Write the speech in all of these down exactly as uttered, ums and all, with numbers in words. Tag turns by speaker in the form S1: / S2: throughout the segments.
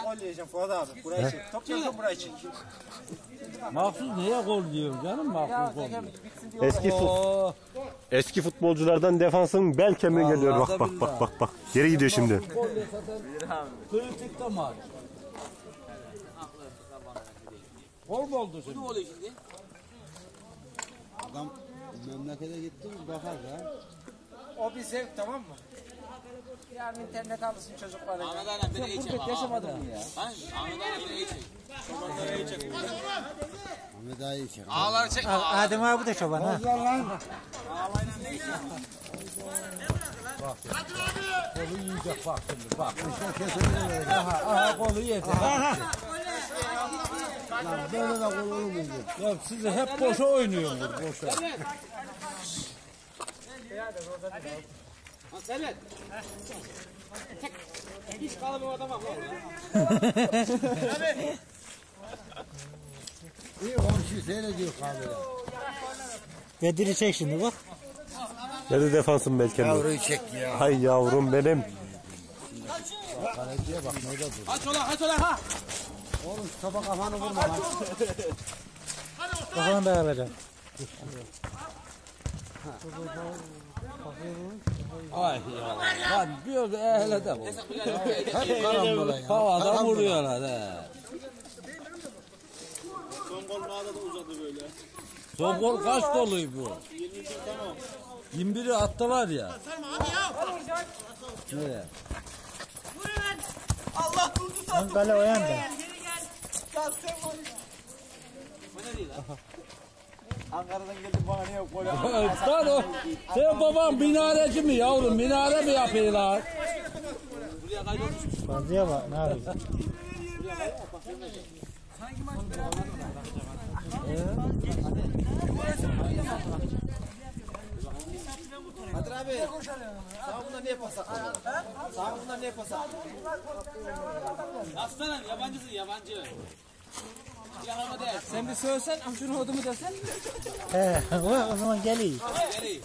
S1: gol diyeceğim Fuat abi. Burayı çek. Top gelsin burayı çek.
S2: Mahsus neye gol diyor canım mahsus gol.
S3: Eski fut, eski futbolculardan defansın bel kemiği geliyor. Bak bak bak bak bak. Geri gidiyor şimdi.
S2: Kritik de maç. Gol mu oldu şimdi?
S4: Adam memlekete gitti bakar ya.
S1: O bir zevk, tamam mı? Yarın internet alırsın çocuklara.
S5: Ahmet Aynen beni iyi çek.
S1: Yaşamadım bunu ya.
S5: Ahmet Aynen beni iyi çek. Çobanları iyi çek.
S4: Ahmet daha iyi çek.
S5: Ağları çek.
S1: Adem abi de çoban ha.
S2: Bak. Kolu yiyecek bak şimdi bak. Aha, aha kolu yedi.
S4: Böyle de gol olmuyor.
S2: Ya siz hep boşa oynuyorsunuz boşa.
S5: Selet. Hiç kalıbı adama bak.
S4: İyi komşu seyrediyor kamera.
S1: Bedir'i çek şimdi bak.
S3: Nerede defansın bel kemiği?
S4: Yavruyu çek ya.
S3: Hay yavrum benim.
S4: Kaleciye bak nerede dur.
S5: Aç ola aç ola ha.
S4: Oğlum topa kafanı vurma lan.
S1: Kafanı da alacağım.
S2: Ay ya lan diyor ki ehle de bu. Hep karambola ya. Havada vuruyorlar he.
S5: Son gol mağada da uzadı böyle.
S2: Son gol kaç doluyu bu?
S5: yirmi bir tamam.
S2: yirmi biri attılar ya. Nereye?
S5: Allah durdu
S1: Ön kale o yanda.
S5: Ankara'dan geldim bana niye gol
S2: Lan o. Senin baban minareci mi yavrum? Minare mi yapıyorlar?
S5: buraya kaydolmuş.
S1: Fazlaya bak ne yapıyorsun?
S5: Kadir abi. Sağ bunlar niye pasak? Sağ bunlar niye pasak? Aslanım yabancısın yabancı. Yanıma değil.
S1: Sen bir söylesen, amcunu odumu desen. He, o zaman geliyor.
S5: Geri.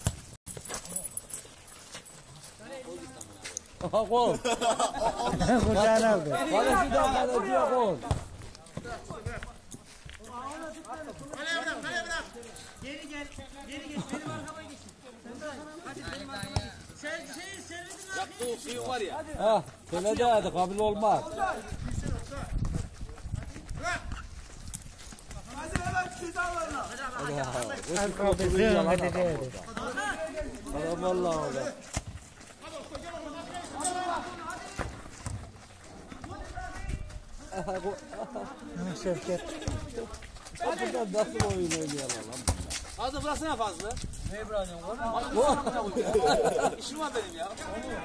S2: Aha gol.
S1: Kucağına aldı.
S2: Kaleciden kaleciye gol.
S6: Kaleye bırak, kaleye bırak. Geri gel, geri gel. Benim arkama geç. Hadi benim arkama geç. Sen şeyi servidin abi.
S5: Yaptığı suyun var ya.
S2: Ha, şöyle de hadi kabul olmaz.
S6: Hadi hemen cezalarına.
S1: Hadi kapatın, hadi hadi.
S2: Adam vallahi öyle.
S1: Şevket.
S2: Buradan nasıl oyun oynuyorlar lan?
S5: Hadi bıraksana fazla.
S1: Ne bırakıyorsun oğlum?
S5: İşim var benim ya.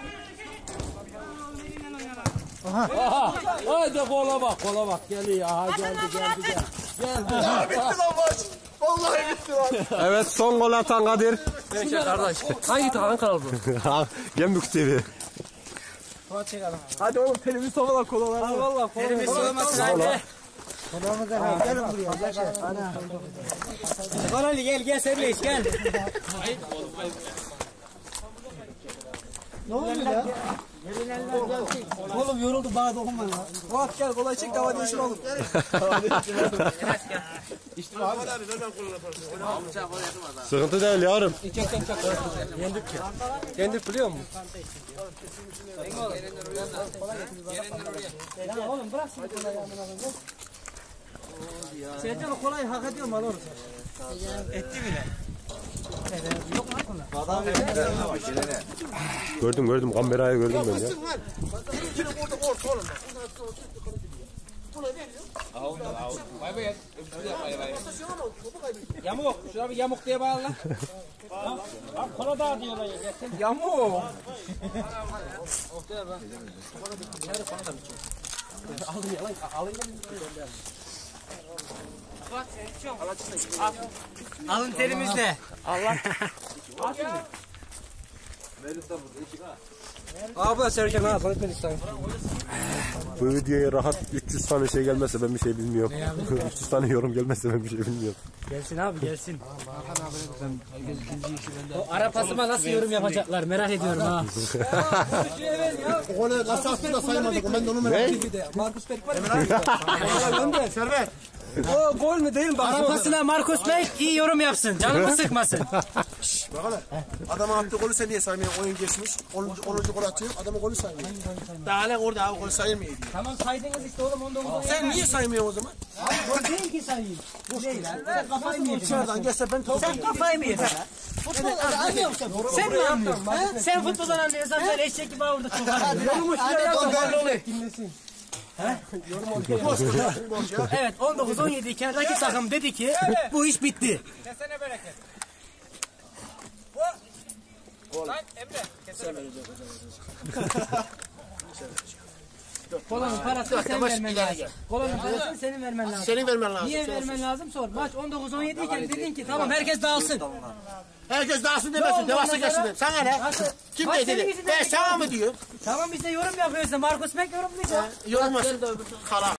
S2: Aha! Haydi kola bak, kola bak. Geliyor. Aha geldi, geldi, geldi. Geldi.
S5: Bitti lan maç. Vallahi bitti lan.
S3: Evet son gol atan Kadir.
S5: Peki kardeş. Hangi hangi kanal bu?
S3: Gemlik T V.
S1: Fuat çekelim.
S5: Hadi oğlum televizyon falan kolalar.
S1: Hadi valla. Elimiz soğumasın hadi. Kolağımı da al. Gelin buraya. Yaşar. Gel Ali gel gel Serleş gel. Ne oluyor ya? Oğlum yoruldu bana dokunma ya. Fuat gel kolay çek dava değişir oğlum.
S5: İşte Ahmet abi nereden kolunu yaparsın?
S3: Sıkıntı değil yavrum.
S1: Yendik ya. Yendik biliyor musun? Ya oğlum bırak şimdi kolayı amına koyayım. Sercan o kolayı hak ediyor mu alır? Etti bile. Yok mu kola?
S3: Gördüm gördüm kamerayı gördüm ben ya.
S5: Yine orada orta oğlum. Bay bay. Bay bay.
S1: Yamuk. Şuna bir yamuk diye bağla. Bak kola daha diyorlar ya. Yamuk. Alın yalan. Alın yalan. Alın terimizle. Allah. Abla Serkan ha tanıtmak istedim.
S3: Bu videoya rahat üç yüz tane şey gelmezse ben bir şey bilmiyorum. üç yüz tane yorum gelmezse ben bir şey bilmiyorum.
S1: Gelsin abi gelsin. O Arapasıma nasıl yorum yapacaklar merak ediyorum ha.
S4: O ne kasasını da saymadık. Ben de onu merak ediyorum.
S1: Markus Beck var ya.
S4: Servet.
S1: O gol mü değil mi? Arapasına Markus Beck iyi yorum yapsın. Canımı sıkmasın.
S4: Bakalım. Adama attığı golü sen niye saymıyorsun? Oyun geçmiş. onuncu gol atıyor. Adama golü saymıyor. Daha ne orada abi golü sayılmıyor.
S1: Tamam saydınız işte oğlum on dokuz on yedi.
S4: Sen niye saymıyorsun o zaman?
S1: Gol değil ki sayayım. Değil lan. Sen kafayı mı yedin?
S4: Dışarıdan gelse ben top
S1: Sen kafayı mı yedin? Futbol anlıyor musun? Sen mi anlıyorsun? Sen futboldan anlıyorsan sen eşek gibi burada çok anlıyorsun. Yorumu şuraya yapma. Dinlesin. Evet on dokuz on yedi iken rakip takım dedi ki bu iş bitti.
S6: Kesene bereket. Lan Emre. Kesene bereket.
S1: Kolanın parasını sen vermen lazım. Kolanın parasını senin vermen lazım.
S4: senin vermen lazım.
S1: Niye vermen lazım sor. Maç on dokuz on yedi iken dedin ki tamam herkes dağılsın.
S4: Herkes dağılsın demesin. Devasa geçsin. Sana ne? Kim
S1: Maç
S4: ne
S1: senin
S4: dedi?
S1: yüzünden
S4: Ben sana mı diyor?
S1: Tamam biz de yorum yapıyoruz. Markus Beck yorumlayacak.
S4: Yorulmasın. Kala.